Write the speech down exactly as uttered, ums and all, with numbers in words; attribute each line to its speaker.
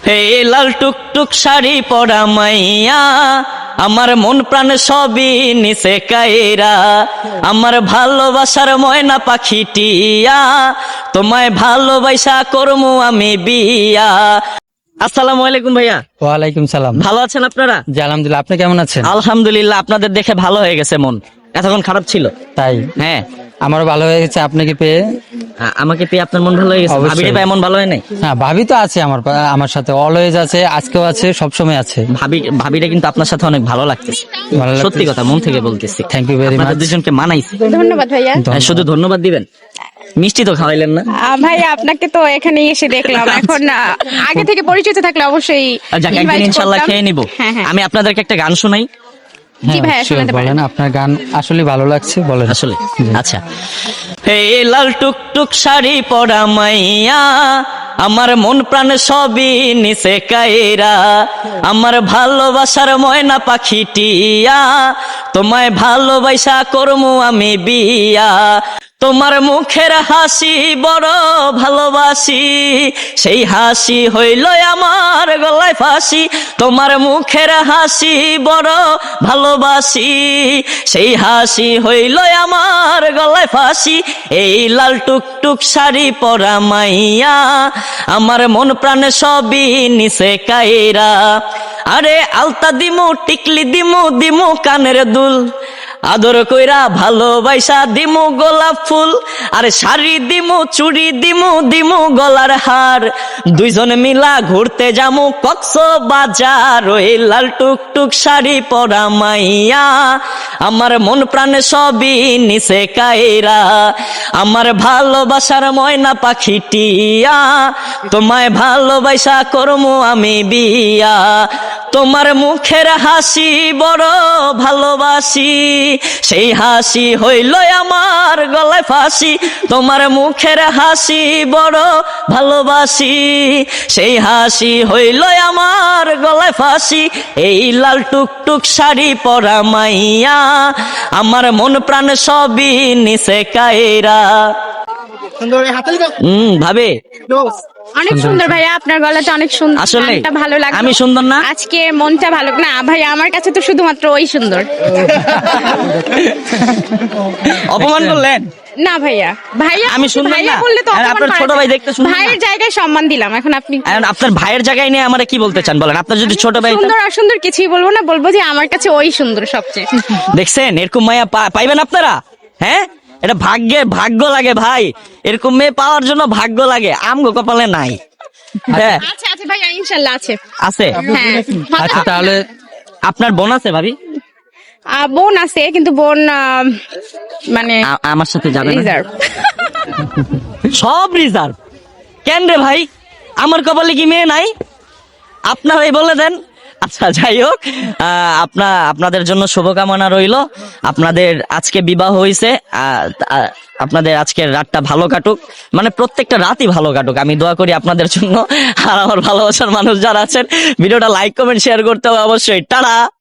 Speaker 1: হে লাল টুকটুক শাড়ি পরা মাইয়া, আমার মন প্রাণ সবই নিচে কায়রা, আমার ভালোবাসার ময়না পাখি টিয়া, তোমায় ভালোবাসা করমু আমি বিয়া। আসসালামু আলাইকুম ভাইয়া।
Speaker 2: ওয়ালাইকুম সালাম।
Speaker 1: ভালো আছেন আপনারা?
Speaker 2: জি আলহামদুলিল্লাহ, আপনি কেমন আছেন?
Speaker 1: আলহামদুলিল্লাহ, আপনাদের দেখে ভালো হয়ে গেছে মন, এতক্ষণ খারাপ ছিল।
Speaker 2: তাই
Speaker 1: হ্যাঁ,
Speaker 2: আমারও ভালো হয়ে গেছে আপনাকে পেয়ে।
Speaker 1: আ- আমাকে পেয়ে আপনার মন ভালো হয়ে গেছে?
Speaker 2: অবশ্যই।
Speaker 1: ভাবিরে পেয়ে মন ভালো হয় নাই?
Speaker 2: হ্যাঁ, ভাবি তো আছে আমার পা- আমার সাথে অলওয়েজ আছে, আজকেও আছে, সবসময় আছে।
Speaker 1: ভাবি ভাবিরে কিন্তু আপনার সাথে অনেক ভালো লাগতেছে,
Speaker 2: ভালো লাগতেছে।
Speaker 1: সত্যি কথা মন থেকে বলতেছি।
Speaker 2: Thank you very
Speaker 1: আপনাদের
Speaker 2: much.
Speaker 1: দুজনকে মানাইছে।
Speaker 3: ধন্যবাদ ভাইয়া।
Speaker 1: হ্যাঁ, শুধু ধন্যবাদ দিবেন, মিষ্টি তো খাওয়াইলেন না।
Speaker 3: আহ, ভাইয়া আপনাকে তো এখানে এসে দেখলাম, এখন আহ, আগে থেকে পরিচিত থাকলে অবশ্যই
Speaker 1: আর যাক, একদিন
Speaker 3: invite
Speaker 1: ইনশাল্লাহ
Speaker 3: করতাম।
Speaker 1: খেয়ে নিব।
Speaker 3: হ্যাঁ হ্যাঁ
Speaker 1: আমি আপনাদেরকে একটা গান শোনাই
Speaker 3: জি ভাইয়া,
Speaker 2: sure,
Speaker 3: শোনাতে পারেন।
Speaker 2: বলেন, আপনার গান আসলে ভালো লাগছে, বলেন।
Speaker 1: আসলে। আচ্ছা, হে লাল টুকটুক শাড়ি পরা মাইয়া, আমার মন প্রাণ সবই নিচে কায়রা, আমার ভালোবাসার ময়না পাখি টিয়া, তোমায় ভালোবাসা করমু আমি বিয়া। তোমার মুখের হাসি বড় ভালোবাসি, সেই হাসি হইল আমার গলায় ফাঁসি। তোমার মুখের হাসি বড় ভালোবাসি, সেই হাসি হইল আমার গলায় ফাঁসি। এই লাল টুকটুক শাড়ি পরা মাইয়া, আমার মন প্রাণ সবই নিচে কায়রা, আরে আলতা দিমু টিকলি দিমু দিমু কানের দুল, আদর কইরা ভালোবাসা দিমু গোলাপ ফুল, আরে শাড়ি দিমু চুড়ি দিমু দিমু গলার হার, দুইজন মিলা ঘুরতে যামু কক্সবাজার। ওই লাল টুকটুক শাড়ি পরা মাইয়া, আমার মন প্রাণ সবই নিচে কায়রা, আমার ভালোবাসার ময়না পাখি টিয়া, তোমায় ভালোবাসা করমু আমি বিয়া। তোমার মুখের হাসি বড় ভালোবাসি, সেই হাসি হইল আমার গলায় ফাঁসি। তোমার মুখের হাসি বড় ভালোবাসি, সেই হাসি হইল আমার গলায় ফাঁসি। এই লাল টুকটুক শাড়ি পরা মাইয়া, আমার মন প্রাণ সবই নিচে কায়রা। হম ভাবে
Speaker 3: অনেক সুন্দর ভাইয়া, আপনার গলাটা অনেক সুন্দর,
Speaker 1: আসলে
Speaker 3: গানটা ভালো লাগলো।
Speaker 1: আমি সুন্দর না?
Speaker 3: আজকে মনটা ভালো না ভাইয়া, আমার কাছে তো শুধুমাত্র ওই সুন্দর।
Speaker 1: অপমান করলেন?
Speaker 3: না ভাইয়া, ভাইয়া
Speaker 1: আমি সুন্দর
Speaker 3: ভাইয়া
Speaker 1: না?
Speaker 3: বললে তো
Speaker 1: আর
Speaker 3: অপমান
Speaker 1: আপনার
Speaker 3: করা
Speaker 1: ছোট
Speaker 3: যায়।
Speaker 1: ভাই দেখতে সুন্দর না?
Speaker 3: ভাইয়ের জায়গায় সম্মান দিলাম, এখন আপনি
Speaker 1: এখন আপনার ভাইয়ের জায়গায় নিয়ে আমরা কি বলতে চান বলেন? আপনার যদি ছোট ভাই হতো-
Speaker 3: সুন্দর অসুন্দর কিছুই বলবো না, বলবো যে আমার কাছে ওই সুন্দর সবচেয়ে।
Speaker 1: দেখছেন এরকম মাইয়া পা- পাইবেন আপনারা? হ্যাঁ, এটা ভাগ্যে ভাগ্য লাগে ভাই, এরকম মেয়ে পাওয়ার জন্য ভাগ্য লাগে, আমগো কপালে নাই। হ্যাঁ,
Speaker 3: আচ্ছা আচ্ছা ভাইয়া, ইনশাল্লাহ আছে।
Speaker 1: আছে।
Speaker 3: হ্যাঁ,
Speaker 2: আচ্ছা তাহলে
Speaker 1: আপনার বোন আছে ভাবি?
Speaker 3: আহ, বোন আছে, কিন্তু বোন আহ, মানে
Speaker 1: আ- আমার সাথে যাবে না?
Speaker 3: রিজার্ভ।
Speaker 1: সব রিজার্ভ কেন রে ভাই? আমার কপালে কি মেয়ে নাই? আপনারাই বলে দেন। আচ্ছা যাই হোক, আহ, আপনা আপনাদের জন্য শুভকামনা রইল। আপনাদের আজকে বিবাহ হয়েছে, আহ, আহ, আপনাদের আজকের রাতটা ভালো কাটুক, মানে প্রত্যেকটা রাতই ভালো কাটুক, আমি দোয়া করি আপনাদের জন্য। আর আমার ভালোবাসার মানুষ যারা আছেন, ভিডিওটা লাইক কমেন্ট শেয়ার করতে হবে অবশ্যই। টাটা।